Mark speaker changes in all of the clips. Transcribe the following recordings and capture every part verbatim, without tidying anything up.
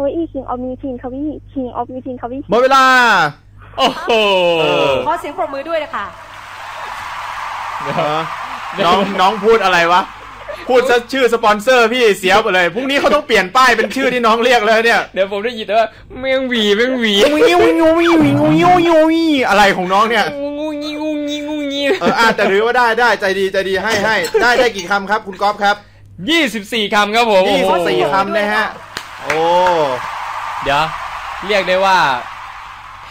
Speaker 1: าวาอี้ King of Music คาวาอี้ King of Music คาวาอี้
Speaker 2: หมดเวลา
Speaker 3: โอ้โห
Speaker 4: ขอเสียงปรบมือด้วยนะคะ
Speaker 2: น้องน้องพูดอะไรวะพูดซะชื่อสปอนเซอร์พี่เสียไปเลยพรุ่งนี้เขาต้องเปลี่ยนป้ายเป็นชื่อที่น้องเรียกเลยเนี่ย
Speaker 3: เดี๋ยวผมได้ยินแต่ว่าแมงหวีแมงหวี
Speaker 2: งูงี้งูงี้งูงี้งูงี้งูงี้อะไรของน้องเนี่ย
Speaker 3: งูงี้งูงี้งูงี้
Speaker 2: เอออ่ะแต่ถือว่าได้ได้ใจดีใจดีให้ให้ได้ได้กี่คำครับคุณก๊อฟครับ
Speaker 3: ยี่สิบสี่คำครับผม
Speaker 2: ยี่สิบสี่คำนะฮะโอ้
Speaker 3: เดี๋ยวเรียกได้ว่าแพ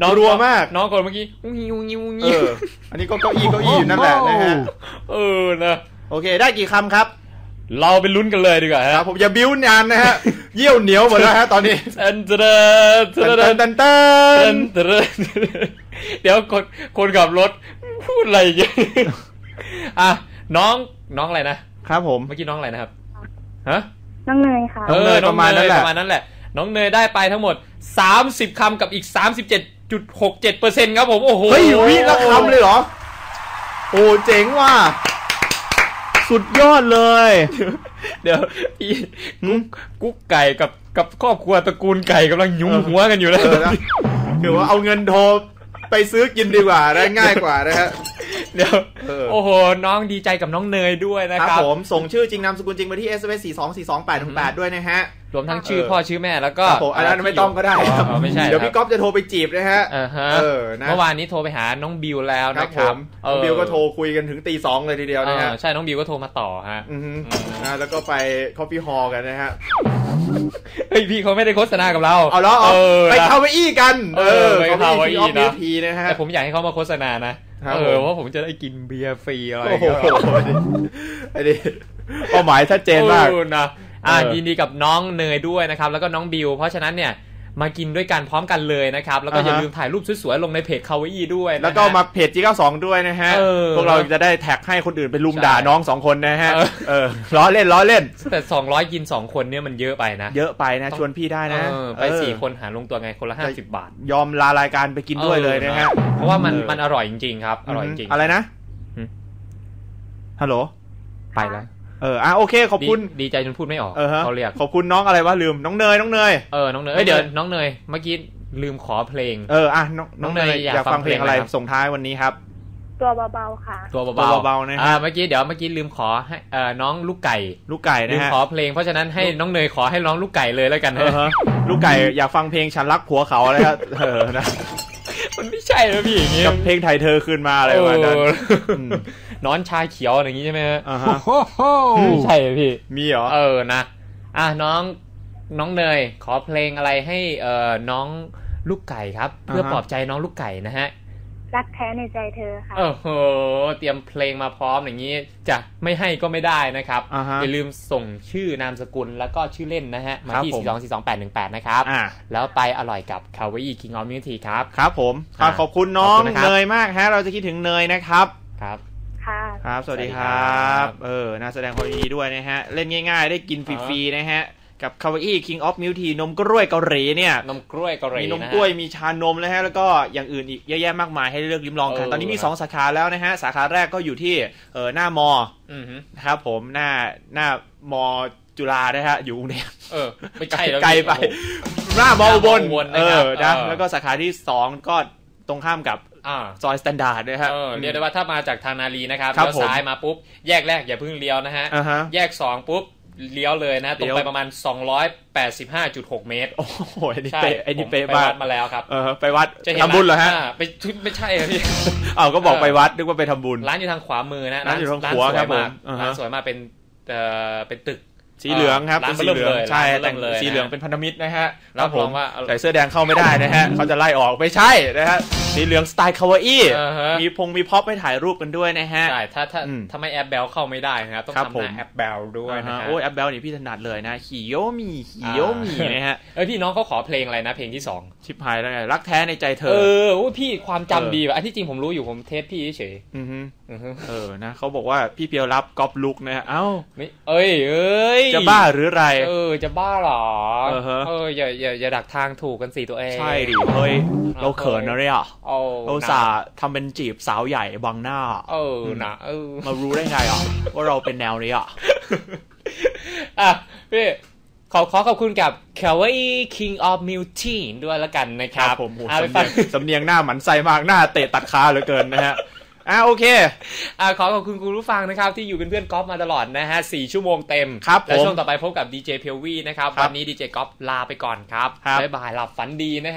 Speaker 2: น้องรัวมาก
Speaker 3: น้องคนเมื่อกี้งิวงิวงิว
Speaker 2: อันนี้ก็เก้าอี้เก้าอี้อยู่นั่นแหละนะฮะ
Speaker 3: เออนะ
Speaker 2: โอเคได้กี่คำครับ
Speaker 3: เราไปลุ้นกันเลยดีกว่า
Speaker 2: ครับผมอย่าบิ้วนานนะฮะเยี่ยวเหนียวหมดแล้วฮะตอนนี้
Speaker 3: เต้นเต้นเต้นเต้นเต้นเต้นเดี๋ยวคนคนขับรถพูดอะไรอย่างเงี้ยอ่ะน้องน้องอะไรนะครับ
Speaker 2: ผม
Speaker 3: เมื่อกี้น้องอะไรนะครับฮะ
Speaker 1: น้องเนยค่ะ
Speaker 3: เออประมาณนั้นแหละประมาณนั้นแหละน้องเนยได้ไปทั้งหมดสามสิบคำกับอีก สามสิบเจ็ดจุดหกเจ็ดเปอร์เซ็นต์ ครับผมโอ้โห
Speaker 2: เฮ้ยวิละคำเลยเหรอโอ้เจ๋งว่ะสุดยอดเลย
Speaker 3: เดี๋ยวพี่กุ๊กไก่กับกับครอบครัวตระกูลไก่กำลังยุ่งหัวกันอยู่แล้ว
Speaker 2: คือว่าเอาเงินโทรไปซื้อกินดีกว่าได้ง่ายกว่านะฮะ
Speaker 3: เดี๋ยวโอ้โหน้องดีใจกับน้องเนยด้วยนะครับ
Speaker 2: ผมส่งชื่อจริงนามสกุลจริงมาที่ เอส เอ็ม เอส สี่ สอง สี่ สอง แปด หนึ่ง แปดด้วยนะฮะ
Speaker 3: รวมทั้งชื่อพ่อชื่อแม่แล้วก็
Speaker 2: อันนั้นไม่ต้องก็ได้ครับ
Speaker 3: ไม่ใช่
Speaker 2: เดี๋ยวพี่ก๊อฟจะโทรไปจีบนะฮะ
Speaker 3: เออเมื่อวานนี้โทรไปหาน้องบิวแล้วนะครับ
Speaker 2: น้องบิวก็โทรคุยกันถึงตีสองเลยทีเดียวนะฮะ
Speaker 3: ใช่น้องบิวก็โทรมาต่อฮะ
Speaker 2: นะแล้วก็ไปคอฟฟี่ฮอลล์กันนะฮะ
Speaker 3: เฮ้ยพี่เขาไม่ได้โฆษณากับเรา
Speaker 2: เอาแล้วไปคาเวอี้กัน
Speaker 3: เออไปคาเวอี้
Speaker 2: นะฮะ
Speaker 3: แต่ผมอยากให้เขามาโฆษณานะเออว่าผมจะได้กินเบียร์ฟรีอะไร
Speaker 2: อย่างเงี้ยไอ้นี่เป้าหมายชัดเจนมาก
Speaker 3: นะอ่ายินดีกับน้องเนยด้วยนะครับแล้วก็น้องบิวเพราะฉะนั้นเนี่ยมากินด้วยกันพร้อมกันเลยนะครับแล้วก็อย่าลืมถ่ายรูปสวยๆลงในเพจคาวาอี้ด้วย
Speaker 2: แล้วก็มาเพจ จี เก้าสิบสอง ด้วยนะฮะพวกเราจะได้แท็กให้คนอื่นไปลุมด่าน้องสองคนนะฮะเออล้อเล่นล้อเล่น
Speaker 3: แต่สองร้อยกินสองคนเนี่ยมันเยอะไปนะ
Speaker 2: เยอะไปนะชวนพี่ได้นะ
Speaker 3: ไปสี่คนหารลงตัวไงคนละห้าสิบบาท
Speaker 2: ยอมลารายการไปกินด้วยเลยนะฮะ
Speaker 3: เพราะว่ามันมันอร่อยจริงๆครับอร่อยจริง
Speaker 2: อะไรนะฮัลโหล
Speaker 3: ไปแล้ว
Speaker 2: เอออ่ะโอเคขอบคุณ
Speaker 3: ดีใจจนพูดไม่ออก
Speaker 2: เขาเรียกขอบคุณน้องอะไรวะลืมน้องเนยน้องเนย
Speaker 3: เออน้องเนยเดี๋ยวน้องเนยเมื่อกี้ลืมขอเพลง
Speaker 2: เอออ่ะน้องเนยอยากฟังเพลงอะไรส่งท้ายวันนี้ครับ
Speaker 1: ตัวเบาๆค่ะ
Speaker 3: ตัวเบาๆนะอ่าเมื่อกี้เดี๋ยวเมื่อกี้ลืมขอให้เอ่อน้องลูกไก่
Speaker 2: ลูกไก่นะฮะ
Speaker 3: ลืมขอเพลงเพราะฉะนั้นให้น้องเนยขอให้น้องลูกไก่เลยแล้วกันนะ
Speaker 2: ลูกไก่อยากฟังเพลงฉันรักผัวเขาอะไรครับเออนะ
Speaker 3: มันไม่ใช่นะพี่อย่างงี้
Speaker 2: กับเพลงไทยเธอคืนมาอะไรวะนั้น
Speaker 3: นอนชาเขียวอย่างงี้ใช่ไหมฮะไม่ใช่พี่
Speaker 2: มีเหรอ
Speaker 3: เออนะอ่ะน้องน้องเนยขอเพลงอะไรให้เอ่อน้องลูกไก่ครับเพื่อปลอบใจน้องลูกไก่นะฮะ
Speaker 1: รักแท้ในใจเธอค่ะ
Speaker 3: โอ้โหเตรียมเพลงมาพร้อมอย่างนี้จะไม่ให้ก็ไม่ได้นะครับอย่าลืมส่งชื่อนามสกุลแล้วก็ชื่อเล่นนะฮะมาที่ สี่ สอง สี่ สอง แปด หนึ่ง แปด นะครับแล้วไปอร่อยกับ Kawaii King of Music ครับ
Speaker 2: ครับผมขอบคุณน้องเนยมากฮะเราจะคิดถึงเนยนะครับ
Speaker 3: ครับ
Speaker 1: ค่ะ
Speaker 2: ครับสวัสดีครับเออน่าแสดงความยินดีด้วยนะฮะเล่นง่ายๆได้กินฟรีๆนะฮะกับ Kawaii King of Milk Tea นมกล้วยเกาหลีเนี่ย
Speaker 3: นมกล้วยเกาหลี
Speaker 2: มีนมกล้วยมีชานมนะฮะแล้วก็อย่างอื่นอีกเยอะแยะมากมายให้เลือกลิ้มลองกันตอนนี้มีสองสาขาแล้วนะฮะสาขาแรกก็อยู่ที่เออหน้ามอนะครับผมหน้าหน้ามอจุฬานะฮะอยู่กรุงเทพ
Speaker 3: เออไม่ใช่
Speaker 2: ไกลไปหน้ามออุบลเออนะแล้วก็สาขาที่สองก็ตรงข้ามกับซอยสแตนดาร์ดนะฮะ
Speaker 3: เรียกได้ว่าถ้ามาจากทางนารีนะครับเลี้ยวซ้ายมาปุ๊บแยกแรกอย่าเพิ่งเลี้ยวนะฮะแยกสองปุ๊บเลี้ยวเลยนะตรงไปประมาณ สองร้อยแปดสิบห้าจุดหก เมตร
Speaker 2: โอ้โหไอ้นี่เป๊ะไอ้นี่เป๊ะมาก
Speaker 3: มาแล้วครับ
Speaker 2: เออไปวัดทำบุญเหรอฮะ
Speaker 3: ไปไม่ใช่ครับพี่
Speaker 2: อ้าวก็บอกไปวัดนึกว่าไปทำบุญ
Speaker 3: ร้านอยู่ทางขวามือนะ
Speaker 2: ร้านอยู่ทางขวาครับผม
Speaker 3: ร้านสวยมากเป็นเอ่อเป็นตึก
Speaker 2: สีเหลืองครับเป็นสีเหลืองใช่แต่งสีเหลืองเป็นพันธมิตรนะฮะรับรองว่าใส่เสื้อแดงเข้าไม่ได้นะฮะเขาจะไล่ออกไม่ใช่นะฮะสีเหลืองสไตล์คาวาอี้มีพงมีพ็อปให้ถ่ายรูปกันด้วยนะฮะ
Speaker 3: ใช่ถ้าถ้าถ้าไม่แอปเบลเข้าไม่ได้นะครับต้องทำหน้าแอปเบลด้วยนะฮะ
Speaker 2: โอ้ยแอปเบลนี่พี่ถนัดเลยนะฮิโยมิฮิโยมินะฮะ
Speaker 3: เออพี่น้องเขาขอเพลงอะไรนะเพลงที่สอง
Speaker 2: ชิบหายแล้วไงรักแท้ในใจเธอ
Speaker 3: เออโอ้พี่ความจำดีว่ะอันที่จริงผมรู้อยู่ผมเทสพี่เฉย
Speaker 2: เออนะเขาบอกว่าพี่เปียวรับก๊อปลุกนะฮะเอ้า
Speaker 3: ไม่เอ้ยเอ้ย
Speaker 2: จะบ้าหรือไร
Speaker 3: เออจะบ้าหรอเอออย่าอย่าอย่าดักทางถูกกันสิตัวเอง
Speaker 2: ใช่ดิเฮ้ยเราเขินนะเนี่ยเราสาทำเป็นจีบสาวใหญ่บังหน้า
Speaker 3: เออนะเออ
Speaker 2: มารู้ได้ไงอ่ะว่าเราเป็นแนวนี้อ่ะ
Speaker 3: อ่ะพี่ขอขอขอบคุณกับ Kawaii King of Milk Tea ด้วยแล้วกันนะครับ
Speaker 2: ผมสำเนียงสำเนียงหน้าหมันไส้มากหน้าเตะตัดขาเหลือเกินนะฮะอ่ะโอเค
Speaker 3: อ่ะขอขอบคุณคุณผู้ฟังนะครับที่อยู่เป็นเพื่อนก๊อฟมาตลอดนะฮะสี่ชั่วโมงเต็ม
Speaker 2: ครับ
Speaker 3: และช่วงต่อไปพบกับดีเจเพลวี่นะครับวันนี้ดีเจก๊อฟลาไปก่อนครับบ๊ายบายหลับฝันดีนะฮะ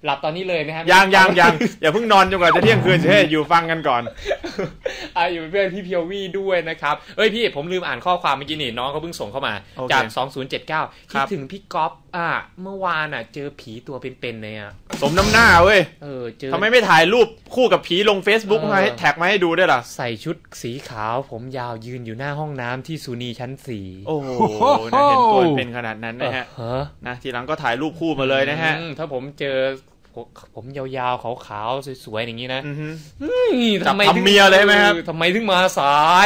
Speaker 3: หลับตอนนี้เลยนะครับ
Speaker 2: ยังยังยังอย่าเพิ่งนอนจนกว่าจะเที่ยงคืนเช่อยู่ฟังกันก่อน
Speaker 3: อ่าอยู่เป็นเพื่อนพี่เพียววี่ด้วยนะครับเอ้ยพี่ผมลืมอ่านข้อความเมื่อกี้นี่น้องเขาเพิ่งส่งเข้ามาจากสองศูนย์เจ็ดเก้าคิดถึงพี่ก๊อฟอ่ะเมื่อวานอ่ะเจอผีตัวเป็นๆเลยอ่ะ
Speaker 2: สมน้ำหน้าเว้ย
Speaker 3: เออเจอ
Speaker 2: ทำไมไม่ถ่ายรูปคู่กับผีลง Facebook มาให้แท็กมาให้ดูด้วยล่ะ
Speaker 3: ใส่ชุดสีขาวผมยาวยืนอยู่หน้าห้องน้ำที่สุนีชั้นสี่
Speaker 2: โอ้โหนะเห็นตัวเป็นขนาดนั้นนะฮะนะทีหลังก็ถ่ายรูปคู่มาเลยนะฮะ
Speaker 3: ถ้าผมเจอผมยาวๆขาวๆสวยๆอย่างนี้นะ
Speaker 2: ทำไมทำเมียเลยไหมครับ
Speaker 3: ทำไมถึงมาสาย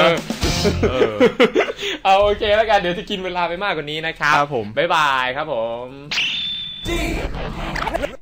Speaker 3: เอาโอเคแล้วกันเดี๋ยวจะกินเวลาไปมากกว่านี้นะครับ
Speaker 2: ครับผม
Speaker 3: บ๊ายบายครับผม